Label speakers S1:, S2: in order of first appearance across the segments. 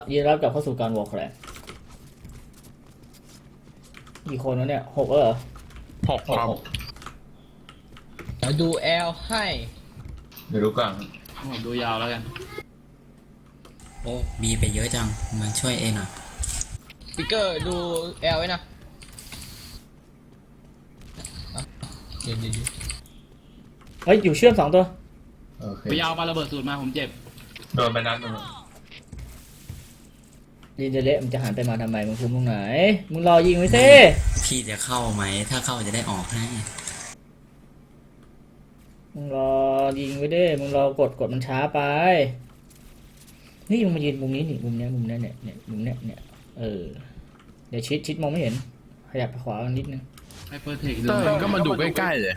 S1: ยินดีรับกลับเข้าสู่การวอลแคร์กี่คนวะเนี่ย6แล้วเหรอ
S2: หกครับ
S3: เดี๋ยวดูแอลให้
S2: เดี๋ยวดูกลาง
S4: ผมดูยาวแล้วกัน
S5: โอ้บีไปเยอะจังมันช่วยเองอ่ะ
S3: สปิเกอร์ดูแอลไว้นะเดี๋ยว
S1: เฮ้ยอยู่เชื่อม2ตัว
S2: โอเค
S4: ไปยาวปาระเบิดสูตรมาผมเจ็บ
S2: โดนไปนัดนึง
S1: ลินเดเละมันจะหันไปมาทำไมมึงคุมตรงไหนมึงรอยิงไว้สิ
S5: พี่จะเข้าไหมถ้าเข้าจะได้ออกให้
S1: มึงรอยิงไว้ดิมึงรอกดมันช้าไปนี่มึงมายืนมุมนี้นี่มุมนี้เนี่ยมุมเนี้ยเดี๋ยวชิดมองไม่เห็นขยับไปขวานิดนึง
S4: ไฮเปอร์เทค
S2: เตอร์ก็มาดูใกล้ๆเลย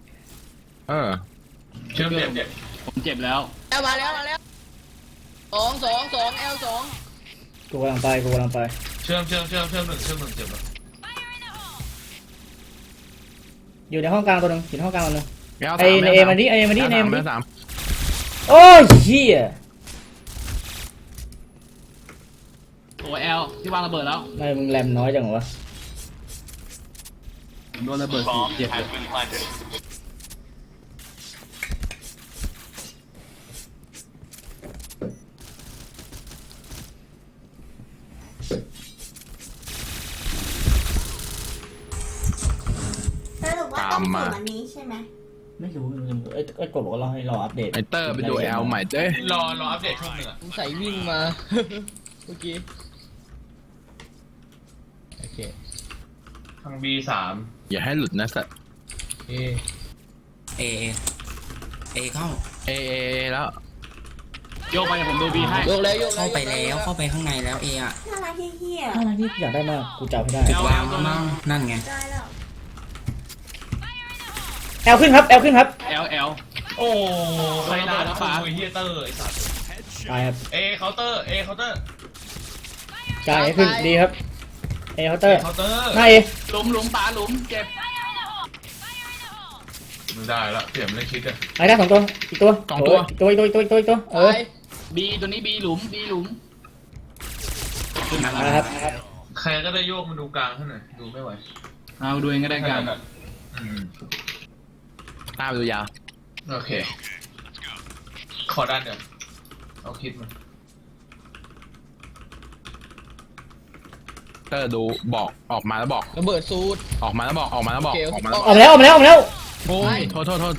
S2: เชื่อมเจ็บ
S4: ผมเจ็บแล้ว
S3: แอลมาแล้วสองแอล2
S1: กูกำลังไป
S2: เชื่อมหนึ่งเจ็บแล้ว
S1: อยู่ในห้องกลางตัวนึงอยู่ในห้องกลางตัวนึงไอเนมันดิโอ้ยเฮีย
S4: ตัวแอลที่วางระเบิดแล้ว
S1: ไม่มึงแรมน้อยจังวะ
S4: โดนระเบิดสูตรเจ็บเลย
S6: ต้องสูตรอันนี้ใช่ไหม
S1: ไม่รู้ไอ้กดบอกว่าเราให้รออัปเดต
S2: ไอเตอร์ไปดูแอลใหม่เจ้รออัปเดตช่วงหนึ่ง
S3: ผมใส่วิ่งมาเมื่อกี้โอเค
S2: ทาง B3 อย่าให้หลุดนะสัตว์
S5: เอเข้า
S2: เอแล้ว
S4: โยกไปผมดูบีให้
S3: โยก
S5: เข้าไปแล้วเข้าไปข้างในแล้วเออะ
S6: น่ารักเฮี้ย
S1: น่ารักที่อยากได้มากกูจับให้ได้
S5: วางมั่งนั่นไง
S6: ได้แล้ว
S1: แอลขึ้นครับ
S4: แอล
S2: โอ้ใครด่าแล้วป่าเฮียเตอร์ไอสัตว์
S1: ตายครับ
S2: เอเคาน์เตอร์
S1: จ่ายขึ้นดีครับเอเคาน์เตอร์หน้าเอ
S4: หลุมป่าหลุมเจ็บ
S2: ไม่ได้ละเสียมเลยคิดอะ
S1: ไอ้ได้2ตัวอีกตัวตัว
S4: บีตัวนี้บีหลุม
S1: นะครับ
S2: ใครก็ได้โยกมาดูกลางให้หน่อยดูไม่ไหว
S4: เอาดูเองก็ได้กัน
S2: ตามดูยาวโอเคขอด้านเดียวเอาคิดมาเตอร์ดูบอกออกมาแล้วบอก
S3: ระเบิดสูตร
S2: ออกมาแล้วบอก
S1: ออกมาแล้ว
S2: โอ้ยโทษ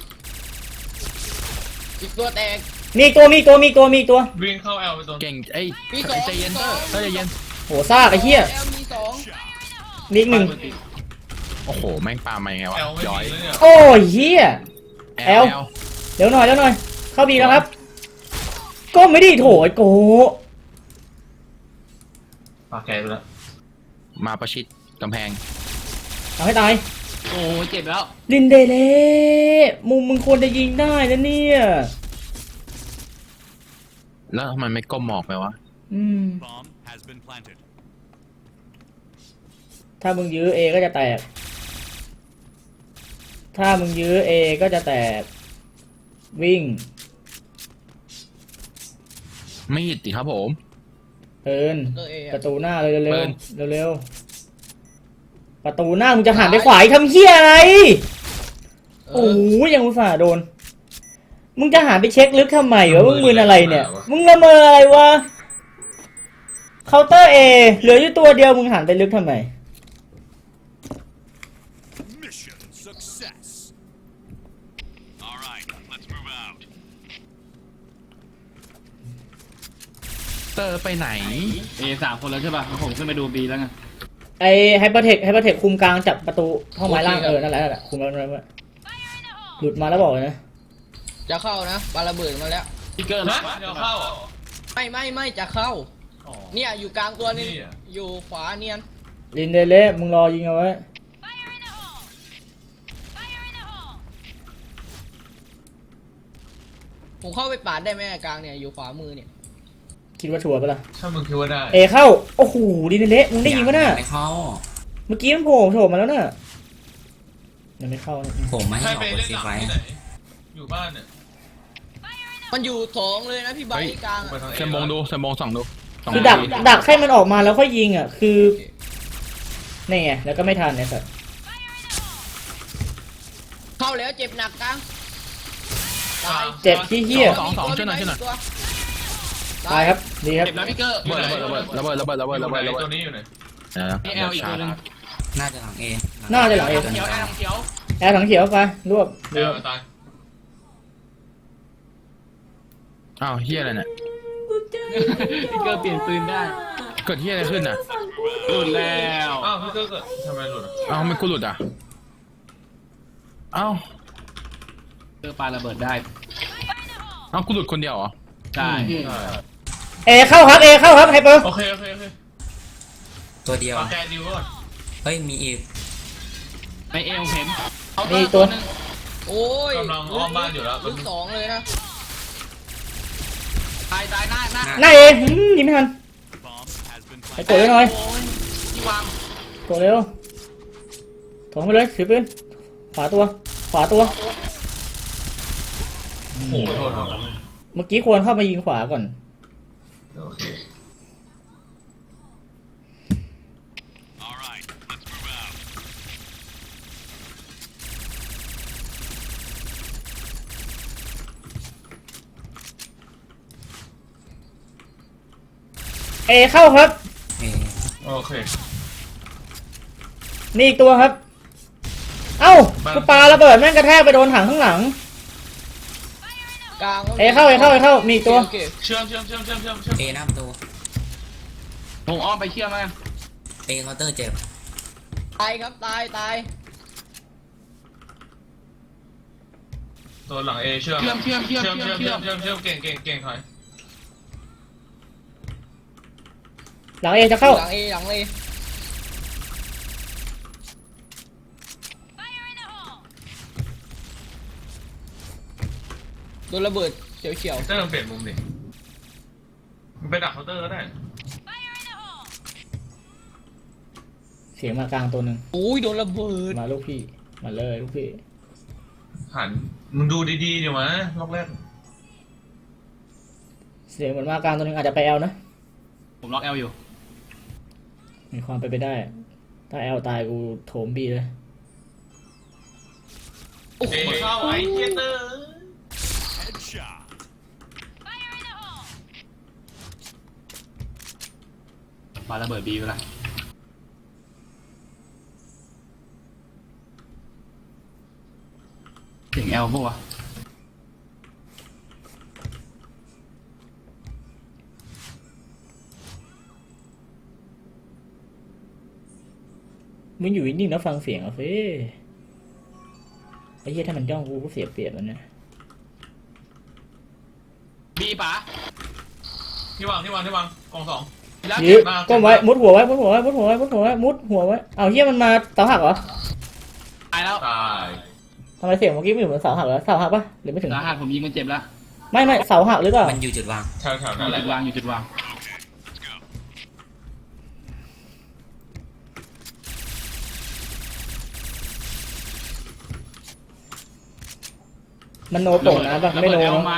S3: อีกตัวแตก
S1: มีตัววิ่ง
S2: เข้าแอลไปตัวเก่งไอ้ใจเย็นเตอร์ใจเย็น
S1: โหซ่าไอ้เหี้ยมีอีก1
S2: โอ้โหแม่งปามาไงวะย้อย
S1: โอ้ยเหี้ยแอลเดี๋ยวหน่อยเข้าบีแล้วครับก็ไม่ได้โถไอ้โก
S2: ปาแกไปแล้วมาประชิดกำแพง
S1: เอาให้ตาย
S4: โอ้เจ็บแล้ว
S1: ลินเดเล่มุมมึงควรจะยิงได้นะเนี่ย
S2: แล้วทำไมไม่ก้มหมอกไปวะ
S1: ถ้ามึงยื้อเอก็จะแตกวิ่ง
S2: ไม่หิดดิครับผม
S1: เอินประตูหน้าเลยเร็วประตูหน้ามึงจะหันไปขวาทำเหี้ยอะไรโอ้ยยังอุตส่าห์โดนมึงจะหันไปเช็คลึกทำไมวะมึงมึนอะไรเนี่ยมึงละเมออะไรวะเคาน์เตอร์เอเหลืออยู่ตัวเดียวมึงหันไปลึกทำไม
S2: เตอร์ไปไหน
S4: 3 คนแล้วใช่ป่ะผมขึ้นไปดูบีแล้วไง
S1: ไอไฮเปอร์เทคคุมกลางจับประตูห้องไม้ล่างนั่นแหละคุมแล้วหลุดมาแล้วบอกเลยนะ
S3: จะเข้านะปาระเบิดมาแล้ว
S4: สปิเกอร์นะ
S2: จะเข้า
S3: ไม่จะเข้าเนี่ยอยู่กลางตัวนึงอยู่ขวาเนียน
S1: ลินเดเล่มึงรอยิงเอาไว้
S3: ผมเข้าไปปาดได้ไหมกลางเนี่ยอยู่ขวามือเนี่ย
S1: คิดว่าชัวร์ปะล่ะ
S2: ถ้ามึงคิดว่าได้
S1: เอเข้าโอ้โหลินเดเล่มึงได้ยิงปะน่ะ
S5: ไม่เข้า
S1: เมื่อกี้มันโผล่มาแล้วน่ะยังไม่เข้า
S5: ผมไม่ให้ออกซีไฟ
S2: อยู่บ้านเนี่ย
S3: มันอยู่2เลยนะพี่ใบกลาง
S2: เซมบงส่องดู
S1: คือดักให้มันออกมาแล้วค่อยยิงอ่ะคือนี่ไงแล้วก็ไม่ทันเนี่ยสัตว์
S3: เข้าแล้วเจ็บหนักกลางตาย
S1: เจ็บที่เหี้ย
S3: สองช่วยหน่อยตัว
S1: ตายครับดีครับ
S4: เจ็บแล้วพี่เกอร์
S2: ระเบิดตัวนี้อยู่ไหน
S4: นี่แอลอีกตัวหนึง
S5: น่าจะหลังเอ
S1: น่าจะหลังเอ
S4: เขียวแอลเขียว
S1: แอร์ถังเขียวไปรวบ
S2: เดี๋ยวตาย
S7: อ้าวเฮียอะไรเนี่ย
S4: พี่เกอร์เปลี่ยนปืนได้
S7: เกิดเฮียอะไรขึ้นน่ะ
S4: หลุดแล้ว
S2: อ้าวพี่เกิดทำไมหลุดอ่ะ
S7: อ้าวทำไมกูหลุดอ่ะอ้าว
S4: เกอร์ปาระเบิดได้
S7: อ้าวกูหลุดคนเดียวเหรอ
S4: ใช่
S1: เอเข้าครับเอเข้าครับไฮเปอร์
S2: โอเค
S5: ตัวเดียว
S2: มาแกดิวก่อน
S5: เฮ้ยมีอีก
S4: ในเอลเห็นเอา
S1: มีตัว
S4: หนึง
S3: โอ้ย
S2: กำลังอ้อมบ้านอยู่แล้ว
S3: ลูกสองเลยนะ
S4: ตายหน้า
S1: หน้าเอยิงไม่ทันไปกดเลยหน่อย
S4: โอ้ยที่วาง
S1: กดเร็วถงไปเลยถือปืนขวาตัว
S2: โอ้โหโทษ
S1: เมื่อกี้ควรเข้ามายิงขวาก่อน
S2: โอเค
S1: เอเข้าครับ
S5: เอ
S2: โอเค
S1: นี่อีกตัวครับ เอ้ากูปาระเบิดแม่งกระแทกไปโดนถังข้างหลัง
S3: กลาง
S1: เอเข้ามีอีกตัว
S3: โอเค
S2: เชื่อม
S5: เอหน้าประตู
S4: ผมอ้อมไปเชื่อมแล้วกัน
S5: เอเคาน์เตอร์เจ็บ
S3: ตายครับตาย
S2: ตัวหลังเอเชื่อมเก่งถอย
S1: หลังเอจะเข้า
S3: หลังเอโดนระเบิดเขียว
S2: เตอร์เปลี่ยนมุมดิมันไปดักเคาน์เตอร์ก็ได้
S1: เสียงมากลางตัวหนึ่ง
S3: ๆโอ้ยโดนระเบิด
S1: มาลูกพี่มาเลยลูกพี่
S2: หันมึงดูดีๆเดี๋ยวมะรอบแรก
S1: เสียงเหมือนมากลางตัวหนึ่งอาจจะไปแอลนะ
S4: ผมล็อกแอลอยู่
S1: มีความเป็นไปได้ ถ้าแอลตายกูโถมบีเลย
S3: โอ้โห
S2: เข้าไอ้เฮียเตอร์
S4: ปาระเบิดบีไปละถึงแอลปะวะ
S1: มึงอยู่นิ่งๆแล้วฟังเสียงอ่ะเฟ้ไอ้เหี้ยถ้ามันจ้องกูก็เสียเปรียบมันนะ
S4: บีป๋า
S2: ที่วางกองสอง
S4: แล้ว
S1: ยื้
S4: เจ็
S1: อบ ก้มไว้มุดหัวไว้มุดหัวไว้เอาเหี้ยมันมาเสาหักเหรอ
S4: ตายแล้ว
S2: ตาย
S1: ทำไมเสียงเมื่อกี้มันอยู่เหมือนเสาหักเหรอเสาหักปะหรือไม่ถึง
S4: สาหัสผมยิงมันเจ็บแล้ว
S1: ไม่เสาหักหรือเปล่า
S5: มันอยู่จุดวาง
S2: แถวๆนั่นแหละ
S4: จุดวางอยู่จุดวาง
S1: มันโนโป่งนะปะไม่โน
S4: ระเบิดแอล
S1: เนาะ
S4: มาย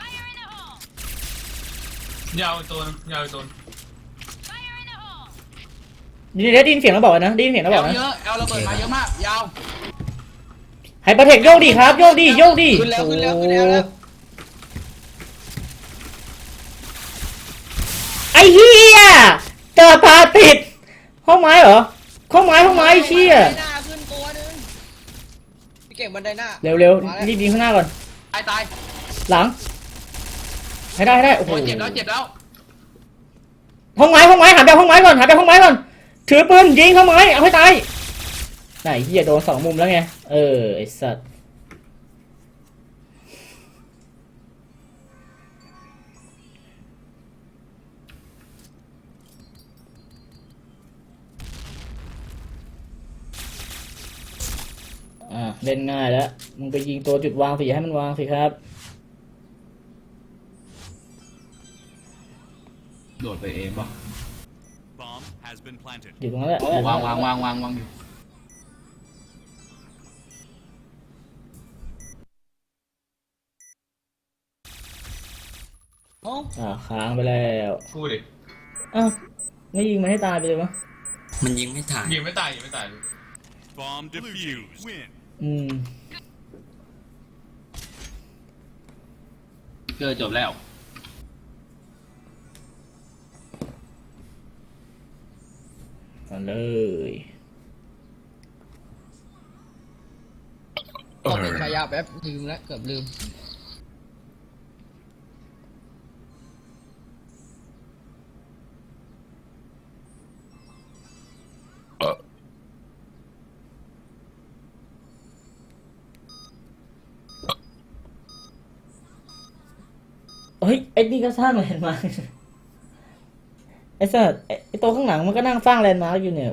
S2: าวอีกตัวนึง
S1: ได้ยินเสียงแล้วบอกนะได้ยินเสียงแล้ว
S4: แอ
S1: บอก
S4: ล
S1: นะ
S4: เยอะแอลระเบิดมาเยอะมากยาว
S1: ไฮเปอร์เทคโยกดิครับโยกดิ
S3: ขึ้นแล้ว
S1: ไอ้เหี้ยเจอพาติดห้องไม้เหรอห้องไม้เชี่ย
S3: บันไดหน้าขึ้นตัวนึงพี่เก่งบันไดหน้า
S1: เร็วรีบยิงข้างหน้าก่อน
S4: ตาย
S1: หลังให้ได้โอ้โห
S4: โอ้ยเจ็บแล้ว
S1: ห้องไม้หันไปห้องไม้ก่อนถือปืนยิงเข้าไม้เอาให้ตายไหนเหี้ยโดน2 มุมแล้วไงไอ้สัตว์เล่นง่ายแล้วมึงไปยิงตัวจุดวางสิให้มันวางสิครับ
S4: โดดไปเองป่ะ
S1: อยู่ตรงนั้นแหละ
S4: วางอยู่
S3: โอ้
S1: ค้างไปแล้ว
S2: พูดดิ
S1: อ้าวไม่ยิงมันให้ตายไปเลยวะ
S5: มันยิงไม่ถ่าย
S2: ยิงไม่ตายยิงไม่ตาย
S8: Bomb defused. Win.
S1: อืม
S4: เกอร์จบแล้ว
S1: มาเลย
S3: ต้องเป็นฉายาแป๊บลืมแล้วเกือบลืม
S1: เฮ้ยไอ้นี่ก็สร้างแลนด์มาร์คไอ้สัสไอ้ตัวข้างหลังมันก็นั่งสร้างแลนด์มาร์คอยู่เนี่ย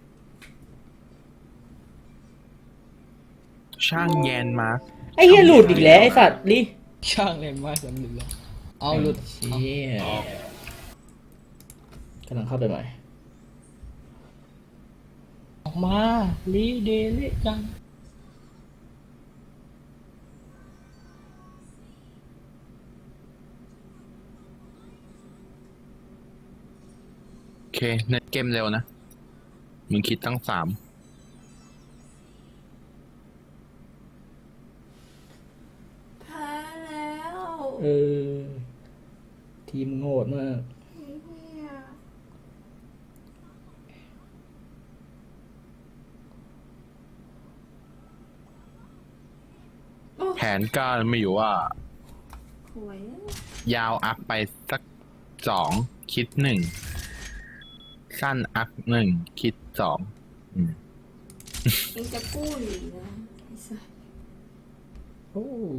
S7: ช่างแยนมาร์ค
S1: ไอ้เหี้ยหลุดอีกแล้วไอ้สัตว์ลิ
S3: ช่างเลยมากสำหรับเอาหลุด
S1: เชี่ยกำลังเข้าไปใหม่
S3: ออกมาลีเดลิจัง
S7: โอเคในเกมเร็วนะมึงคิดตั้ง3
S6: แพ้แล้ว
S1: เออ ทีมโหดมาก
S6: ไอ้เหี้ย
S7: แผนการไม่อยู่ว่า
S6: หวย
S7: ยาวอัพไปสัก2 คิด 1 สั้นอัพ1 คิด 2
S6: ยังจะกู้หนีนะไอ้สัส
S1: โอ้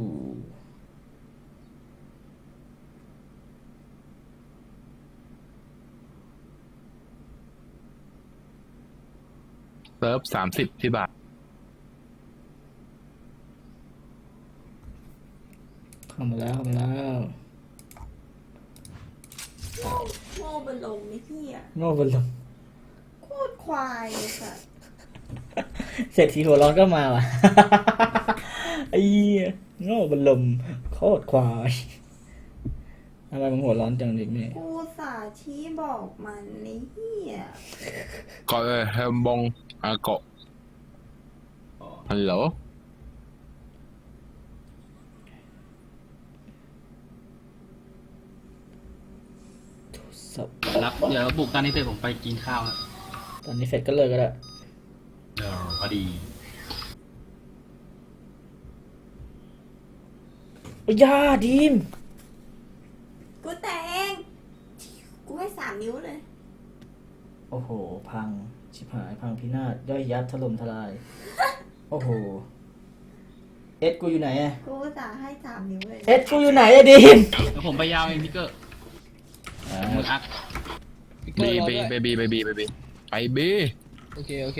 S7: เซิร์ฟ30ที่บาท
S1: เข้ามาแล้วเข้ามาแล้ว
S6: โง่บนลมไอ้เหี้ย
S1: โง่บนลม
S6: โคตรควายไอ้สัส
S1: เสร็จทีหัวร้อนก็มาว่ะ ไอ้เหี้ยโง่บนลมโคตรควายทำไมมึงหัวร้อนจังดิเนี่ย
S6: กูสาชี้บอกมันไอ้เหี้ย
S7: ก็เฮมบงอาโกะฮัลโหล
S1: สับ
S4: เดี๋ยวบุกตอนนี้เสร็จผมไปกินข้าวแล้ว
S1: ตอนนี้เสร็จก็เลยก็ได้
S4: พอดี
S1: โอ้ยยาดีม
S6: กูแต่งกูให้3 นิ้วเลย
S1: โอ้โห พัง ชิบหาย พังพินาศย่อยยับถล่มทลาย โอ้โห เอ็ดกูอยู่ไหนอะ
S6: กูสาให้3 นิ้วเลย
S1: เอ็ดกูอยู่ไหนอะดีม
S4: เดี๋ยวผมไปยาวเองพี่เกอร์
S1: อ่า
S4: มืออัก
S7: บีไปบีไปบี
S3: โอเคโอเค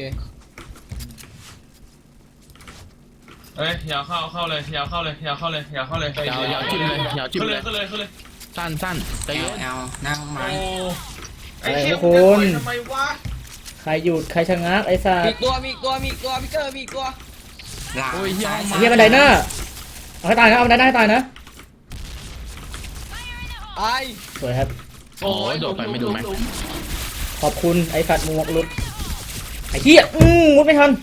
S2: เอ้ยยาวเข้าเลยยาวเข้าเลยยาวเข้าเลยยาวเข้าเลย
S7: ยาวจิ้มเลยยาวจิ้ม
S2: ขึ้น
S7: เล
S2: เลย ยขึ้นเลย
S7: สั้นใจ
S5: แอ
S7: เย็
S5: ล
S7: น
S5: แอลหน้าห้องไม้
S2: โอ้ไอ้
S1: อะไร
S2: เชี่ย
S1: นะ
S2: มึ
S1: คุ
S2: งจะปล่
S1: ณ
S2: อยทำไมวะ
S1: ใครหยุด ใครชะงักไอ้สั
S3: มี
S1: ตว์
S3: ตัวพี่เกอร์มีอีกตัว
S5: หลัง
S7: โอ้ยเหี้ย
S5: ซ้าย
S1: เฮียบันไดหน้า เอาให้ตายนะเอาบันไดหน้าให้ตายนะ
S3: ไอ้
S1: สวยครับ
S7: โอ้ยโดดไปไม่ดูไหม
S1: ขอบคุณไอ้สัตว์หมวกหลุด ไอ้เหี้ยมุดไม่ทัน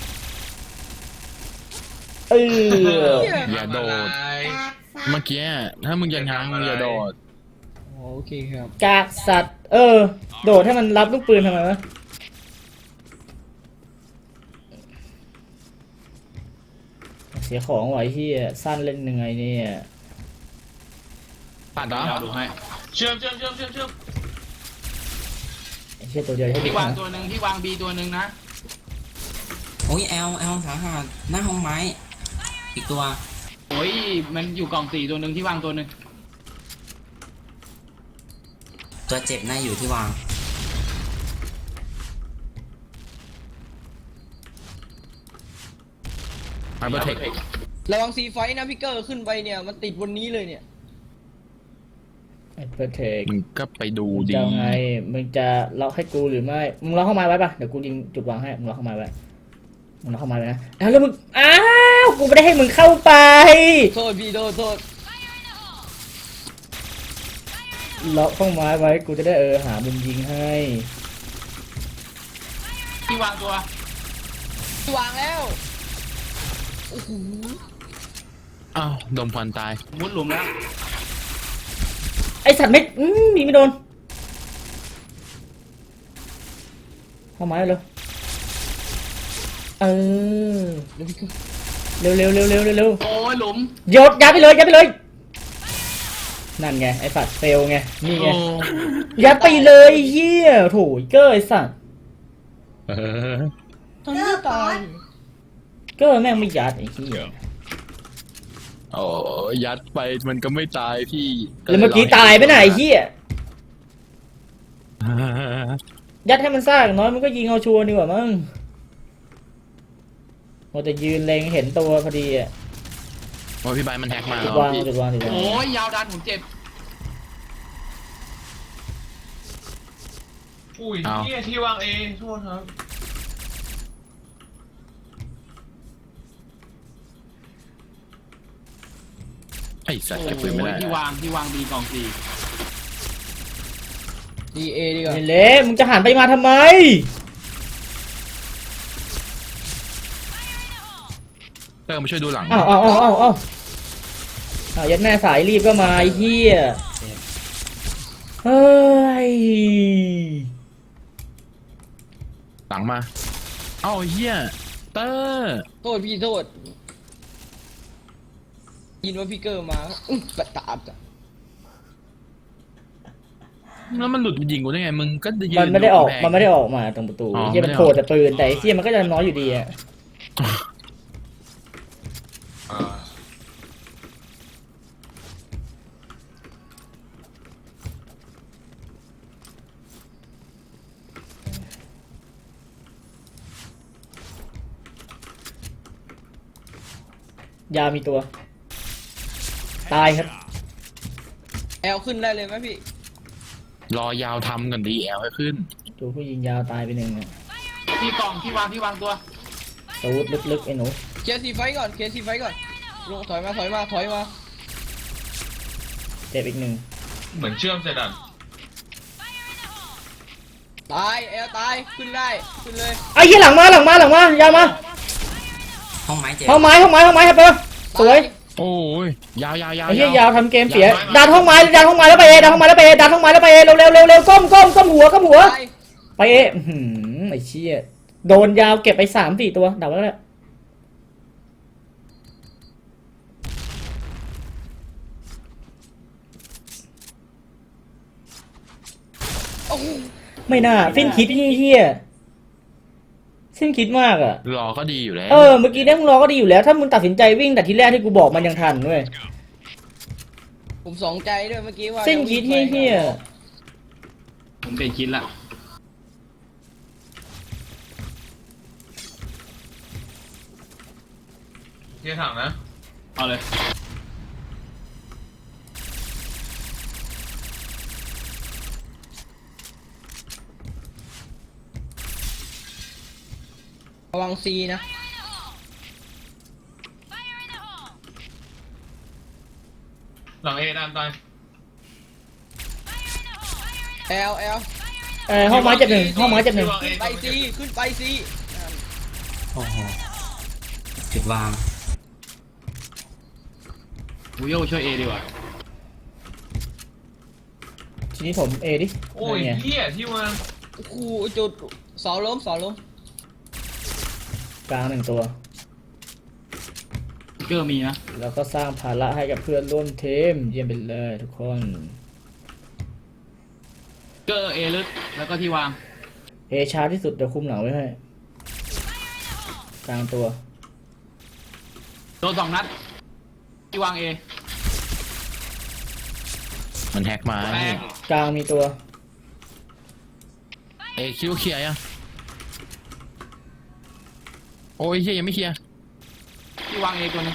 S1: เออ
S7: อย่าโดด
S2: อะไร
S6: กากสัส
S7: เมื่อกี้ถ้ามึงจะง้างมึงอย่าโดด
S3: โอเคครับ
S1: กากสัตว์ โดดให้มันรับลูกปืนทำไมวะ เสียของไหวที่สั้นเล่นยังไงเนี่ย
S7: ปัดเหรอ
S4: ยาวดูให้
S2: เชื่อม
S1: ไอ้เชี่ยตัวเดียวให้ดี
S4: พี่วาง
S1: นะ
S4: ตัวหนึ่งพี่วางบีตัวหนึ่งนะ
S5: โอ้ยแอลสาหัสหน้าห้องไม้ อีกตัว
S4: โอ้ยมันอยู่กล่อง4ตัวหนึ่งที่วางตัวหนึ่ง
S5: ตัวเจ็บหน้าอยู่ที่วาง
S7: ไฮเปอร์เทค
S3: ระวังซีไฟนะพี่เกอร์ขึ้นไปเนี่ยมันติดบนนี้เลยเนี่ย
S1: ไอ้เปิดเทค
S7: มึงก็ไปดู
S1: มึง
S7: ดี
S1: จะเอาไง มึงจะล็อกให้กูหรือไม่ มึงล็อกเข้ามาไว้ปะเดี๋ยวกูยิงจุดวางให้ มึงล็อกเข้ามาไว้ มึงล็อกเข้ามาไว้นะแล้วมึง อ้าว กูไม่ได้ให้มึงเข้าไป
S3: โทษพี่โทษ
S1: มล็อกห้องไม้ไว้กูจะได้หามุมยิงให้
S4: ที่วางตัว
S3: วางแล้วโอ้โห
S7: อ้าวดมควันตาย
S4: มุดหลุมแล้ว
S1: ไอสัตว์ไม่มีไม่โดนห้องไม้เลยเร็วเร็วเร็วเร็วเร็วเร็ว
S4: โอ้ยหลุม
S1: ยดยัดไปเลยยัดไปเลยนั่นไงไอสัตว์เฟลไงนี่ไง
S7: โอ้
S1: ยัดไปเลยเหี้ยโถยเกอร์ไอสัตว์
S7: เออ
S3: ทำไม่ตาย
S1: เกอร์แม่งไม่ยัดไอ้เหี้ย
S7: โอ้ยัดไปมันก็ไม่ตายพี่
S1: แล้วเมื่อกี้ตายไปไหนไอ้เหี้ยยัดให้มันซากน้อยมันก็ยิงเอาชัวร์ดีกว่ามั้งเราจะยืนเล็งเห็นตัวพอดีอ่ะ
S7: ว่าพี่ใบมันแฮกมา
S1: จุด
S7: แล้ว
S1: วาง
S7: พี่
S1: จุดวางจุดวาง
S4: โอ้ยยาวดันผมเจ็บ
S2: อุ้ยเหี้ยที่วางเอโทษครับ
S7: ไอ้สัตว์
S4: โอ้
S7: เก็บปืนไม่ได้
S4: ยที่วางบีกล่องสี่
S3: ดีเอดีกว่า
S1: นี่เละมึงจะหันไปมาทำไม
S7: เตอร์มาช่วยดูหลัง
S1: อ้าวยัดแม่สายรีบก็มาไอ้เหี้ยเฮ้ย
S7: หลังมาเอ้าเฮียเตอร์
S3: โทษพี่โทษยินว่าพี่เกอร์มาประตามจ้ะ
S7: แล้วมันหลุดยิงกูได้ไงมึงก็ยืน
S1: มันไม่ได้ออก
S7: ดูกำแพง
S1: มันไม่ได้ออกมาตรงประตู
S7: อ๋อ
S1: ไอ้เหี้ยมัน
S7: ไม่ได้ออก
S1: โผล่แต่ปืนแต่ไอ้เหี้ยมันก็จะน้อยอยู่ดีอะ
S2: อ่า
S1: ยามีตัว ตายครับ
S3: แอลขึ้นได้เลยไหมพี่
S7: รอยาวทำกันดีแอลให้ขึ้น
S1: ตัวผู้ยิงยาวตายไปหนึ่งอะ
S4: ที่กล่องที่วางตัว
S1: ตูดลึกๆไอ้หนู
S3: เคลียร์สีไฟก่อนเคลียร์สีไฟก่อนลงถอยมา
S1: เจ็บอีกหนึ่ง
S2: เหมือนเชื่อมเสร็จอ่ะ
S3: ตายแอลตายขึ้นได้ขึ้นเลย
S1: ไอ้เหี้ยหลังมายาวมา
S5: ห้องไม้เจ็บ
S1: ห้องไม้ครับเปอร์สวย
S7: โอ้ยยาวยาวยาว
S1: ไอ้เหี้ยยาวทำเกมเสียดันห้องไม้แล้วไปเอเร็วก้มหัว
S3: ตาย
S1: ไปเอไอ้เชี่ยโดนยาวเก็บไป3-4ตัวดับแล้วแหละไม่น่าสิ้นคิดเหี้ยสิ้นคิดมากอ่ะ
S7: รอก็ดีอยู่แล้ว
S1: เมื่อกี้เนี่ยมึงรอก็ดีอยู่แล้วถ้ามึงตัดสินใจวิ่งแต่ทีแรกที่กูบอกมันยังทันเว้ย
S3: ผมสองใจด้วยเมื่อกี้ว่า
S1: สิ้นคิดเหี้ย
S4: ผมเป็นคิดละ
S2: เที่ยถังนะ
S4: เอาเลย
S3: ระวังซีนะ
S2: หลังเอดันไป
S3: แอล
S1: ห้องไม้เจ็บหนึ่งห้องไม้เจ็บหนึ่ง
S2: ที่วาง A
S3: ไปซีขึ้นไปซี
S5: โอ้โหจุดวาง
S4: บูโยช่วยเอดีกว่า
S1: ทีนี้ผมเอดิ
S2: โอ้ย
S1: นั่นไง
S2: เหี้ยที่วาง
S3: โอ้โหจุดเสาล้ม
S1: กลาง1ตัว
S4: เกอร์มีนะ
S1: แล้วก็สร้างภาระให้กับเพื่อนร่วมทีมเยี่ยมไปเลยทุกคน
S4: เกอร์เอลึกแล้วก็ที่วาง
S1: เอช้าที่สุดเดี๋ยวคุมหลังไว้ให้กลางตัว
S4: โดน2 นัดที่วางเอ
S7: มันแฮกมา
S2: แตก
S1: กลางมีตัว
S7: เอยคิดว่าเคลียร์ยังโอ้ยเฮียยังไม่เคลียร์
S4: ที่วางเอตัวนึง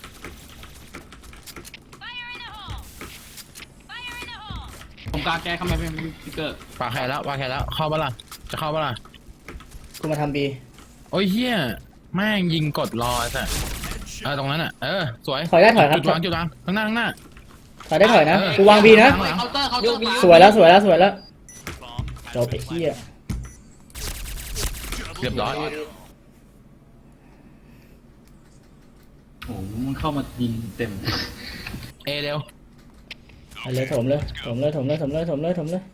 S4: ผมกล้าแก้เข้ามาเป็นพิกเกอร์
S7: ปากแค่แล้วเข้าปะล่ะจะเข้าปะล่ะ
S1: กูมาทำบี
S7: โอ้ยเฮียแม่งยิงกดรอไอ้สัสตรงนั้นอ่ะสวย
S1: ถอยได้ถอยครับ
S7: จุดวางข้างหน้า
S1: ถอยได้ถอยนะกูวางบีนะ
S4: เคาน์เตอร์เคาน์เตอร์
S1: สวยแล้วสวยแล้วสวยแล้ว
S8: Bomb
S1: จบไอ้เหี้ย
S7: เรียบร้อย
S4: โอ้โหมันเข้ามายิงเต็ม
S7: เอเร็ว
S1: ไปเลยถมเลยถมเลยถมเลยถมเลยถมเลยถมเลย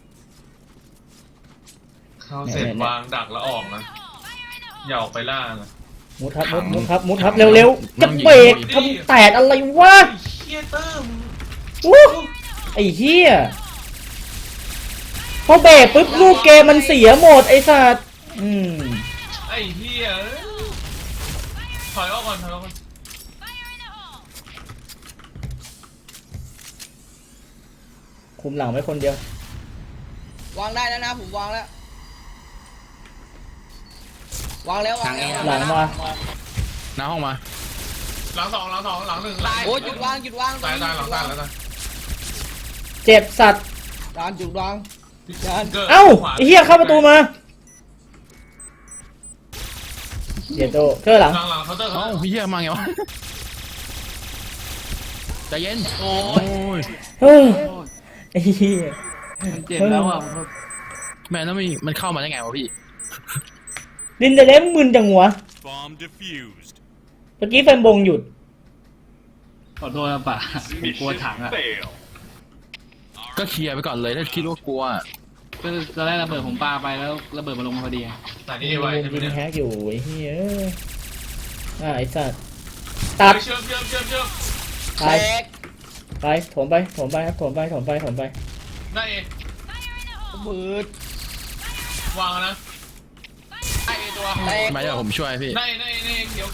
S2: เข้าเสร็จวางดักแล้วออกนะอย่าออกไปล่านะ
S1: มุดครับมุดครับมุดครับเร็วๆจะเบรกทำแตกอะไรวะ
S2: ไอ้เฮียเตอร์มึง
S1: อู้ไอ้เหี้ยพอเบรกปุ๊บลูกเกมมันเสียหมดไอ้สัตว์
S2: ไอ้เฮียถอยออกก่อนถอยออกก่อน
S1: คุมหลังไว้คนเดียว
S3: วางได้แล้วนะผมวางแล้ววางแล้ววางแล้ว
S1: หลังมา
S7: หน้าห้องมา
S2: หลังสองหลังหนึ่ง
S3: โอ้ยหยุดวางหยุดวาง
S2: ตายหลังตายแล้วตาย
S1: เจ็บสัตว์
S3: จานหยุดวาง
S1: เอ้าไอ้เหี้ยเข้าประตูมาเดี๋ยวโตเกอร์หลัง
S2: หลังเคาน์เตอร์
S7: เอ้าเฮียมาไงวะใจเย็น
S4: โอ้
S7: โอ้
S4: ย
S7: ย
S1: เฮ้ยไอ้เหี้ย
S4: มันเจ็บแล้วอ่ะ
S7: แม่แล้วมันเข้ามาได้ไงวะพี่
S1: ลินเดเล่มมึนจังวะ
S8: Bomb defused.
S1: เมื่อกี้แฟนบงหยุด
S4: ขอโทษนะป่ะผมกลัวถังอ่ะ
S8: Fail.
S7: ก็เคลียร์ไปก่อนเลยถ้าคิดว่ากลัว
S4: ก็จะได้ระเบิดผมปาไปแล้วระเบิดมาลงมาพอดี
S2: แต่นี่ไว้ใช่ไหม
S1: ยิง
S2: เนี่ย
S1: แฮกอยู่ไอ้เหี้ยไอ้สัตว์ตัด
S2: เชื่อม
S1: ไปไปถมไปถมไปครับถมไปถมไปถมไป
S2: ได้เอ
S3: เบิด
S2: วางนะได้เอตัว
S3: แตก
S7: ไม่เดี๋ยวผมช่วยพี่
S2: ได้เขียว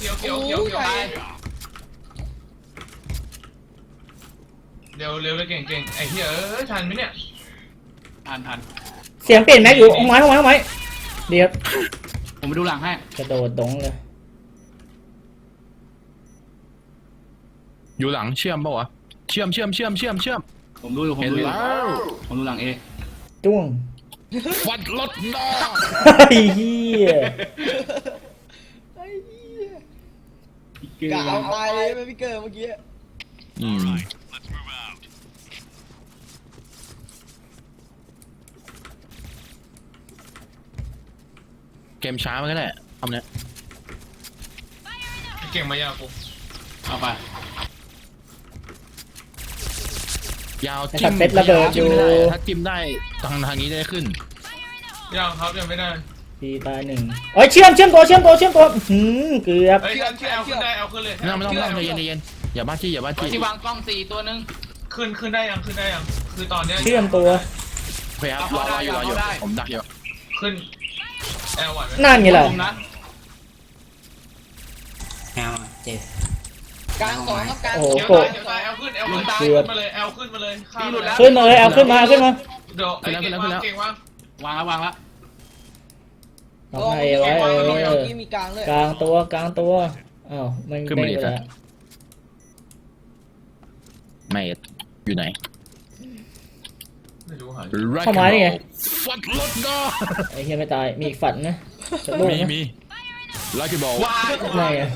S2: เร็วเลยเก่งไอ้เหี้ยทันไหมเนี่ย
S4: ทัน
S1: เสียงเปลี่ยนแม็กอยู่ห้องไม้เดี๋ยว
S4: ผมไปดูหลังให้
S1: กระโดดดงเลย
S7: อยู่หลังเชื่อมปะวะเชื่อม
S4: ผมดู
S7: เห็นแล้ว
S4: ผมดูหลังเอ
S1: จ้วง
S7: ฟัดรถนอ
S1: ไอ้เหี้ย
S3: กะเอาตายเลยไหมพี่เกิร์เมื่อกี้
S7: อืม
S8: Let's move out.
S7: เกมช้ามันก็ได้ทำเนี้ย
S2: เก่งมายาวกู
S4: เอาไป
S7: ยาว
S1: ไอ้
S7: จิ้
S1: สัต
S7: ม
S1: ว์เซ็ตระเบิดอยู่
S7: ถ้าจิ้มได้ทางนี้ได้ขึ้น
S2: ยังครับยังไม่ได้
S1: ทีตายหนึ่งโอ้ยเชื่อมตัวเกือบ
S2: เฮ้ยเอาขึ้นได้เอาขึ้นเลย
S7: ไม่ต้องใจเย็นอย่าบ้าจี้
S4: ที่วางกล้อง4ตัวนึง
S2: ขึ้นได้ยังคือตอนเนี้ย
S1: เชื่อมตัว
S7: พยายามรออยู่ผมดักอยู่
S2: ขึ้นแอลไหวไหม
S1: นั่นไงล่ะ
S4: ผมนะ
S5: แอลเจ็บ
S3: กลางสองครับกลาง
S1: โอ้โห
S2: เดี๋ยว
S1: โกะ
S2: ตายแอลขึ้นมาเลยขึ้นมาเลยข้ามเลย
S1: ขึ้นมาเลยเอาขึ้นมา
S2: เดี๋ยวไอ้เก่งว่าง
S4: วางแล้ว
S1: ทำให้ไว้
S3: เมื่อกี้มีกลางเลย
S1: กลางตัวอ้าวมันเด้งไปแล้ว
S7: ไม่อยู่ไหน
S2: ไม่รู้หา
S1: เข้ามาได้ไง
S7: ฟัดรถนอ
S1: ไอ้เหี้ยไม่ตายมีอีกฝันนะจะลูกนะ
S7: มีลักกี้บอล
S4: วาง
S1: ไหนอะ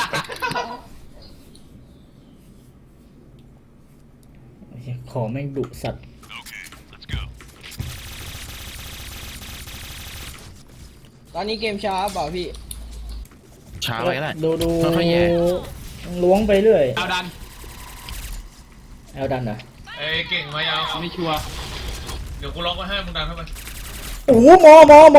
S1: ไอ้เหี้ยของแม่งดุสัตว์
S8: Okay, let's go.
S3: ตอนนี้เกมช้าเปล่าพี่
S7: ช้าไปก็ได้
S1: ดู
S7: ค่อยๆแย่
S1: ล้วงไปเรื่อย
S4: เอาดัน
S1: แอลดันเหรอ
S2: ไอ้เก่งมายาว
S4: ไม่ชัวร์
S2: เดี๋ยวกูล็อกไว้ให้มึงดันเข้าไป
S1: โอ้โหหมอ
S7: หมอ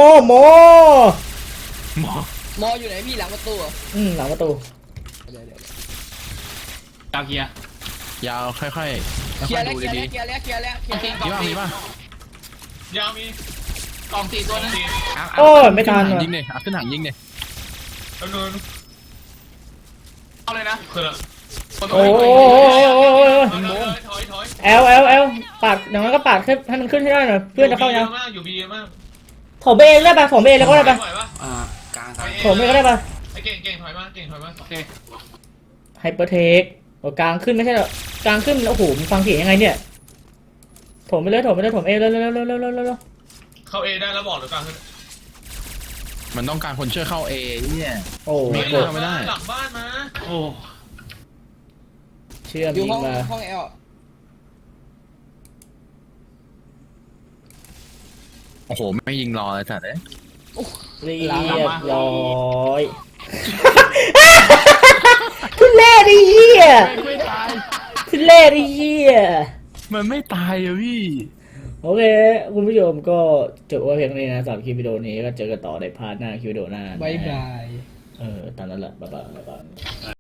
S3: มออยู่ไหนพี่หลังประตูเหรอ
S1: หลังประตู
S3: เดี๋ยว
S4: ดาวเกียร์
S7: ยาวค่อย
S3: เคลียร์แล้วเคลียร์แล้วเคลียร์แล้วเคลียร์แล้วเคลียร์แล้ว
S7: ๆมีป่ะ
S2: ยาวมี
S4: กล่อง4ตัวนึง
S1: โอ้ยไม่ทัน
S7: ขึ้นหาง
S1: ว่ะ
S7: ยิงเลยขึ้นหางยิงเลย
S2: จำนวน
S4: เอาเลยนะ
S2: คือละ
S1: โอ้ย
S2: ถอย
S1: แอลปัดอย่างนั้นก็ปัดให้มันขึ้นให้ได้หน่อยเพื่อนจะเข้ายัง
S2: อยู่บีเยอะมาก
S1: ถมไปเองได้ปะถมไปเองแล้วก็ได้ปะ
S2: ไหวปะ
S5: กลาง
S1: ถมไปก็ได้ปะ
S2: ไอ้เก่งถอยมา
S4: โอเค
S1: ไฮเปอร์เทคโอ้กลางขึ้นไม่ใช่เหรอกลางขึ้นโอ้โหมึงฟังเสียงยังไงเนี่ยถมไปเลยถมเองเร็ว
S2: เข้าเอได้แล้วบอกหรือเปล่า
S7: มันต้องการคนช่วยเข้าเอเนี่ย
S1: โอ้
S7: ไม่
S1: โห
S7: ได้
S2: หลังบ้านมา
S4: โอ้
S1: เชื่อม
S3: อยู่
S1: ยิง
S3: ห้อง
S1: มา
S3: ห้องแอล
S7: โอ้โห ไม่ยิงรอเลยสัตว์เอ้ย
S1: เรียบร้อยทุเล่ดิเหี้ย
S7: ไม่ตาย
S1: ทุเล่ดิเหี้ย
S7: มันไม่ตายอะพี่
S1: โอเค คุณผู้ชมก็จบไว้เพียงนี้นะสำหรับคลิปวิดีโอนี้ก็เจอกันต่อในพาร์ทหน้าคลิปวิดีโอหน้านะ
S3: บายบาย
S1: ตามนั้นแหละบ๊ายบาย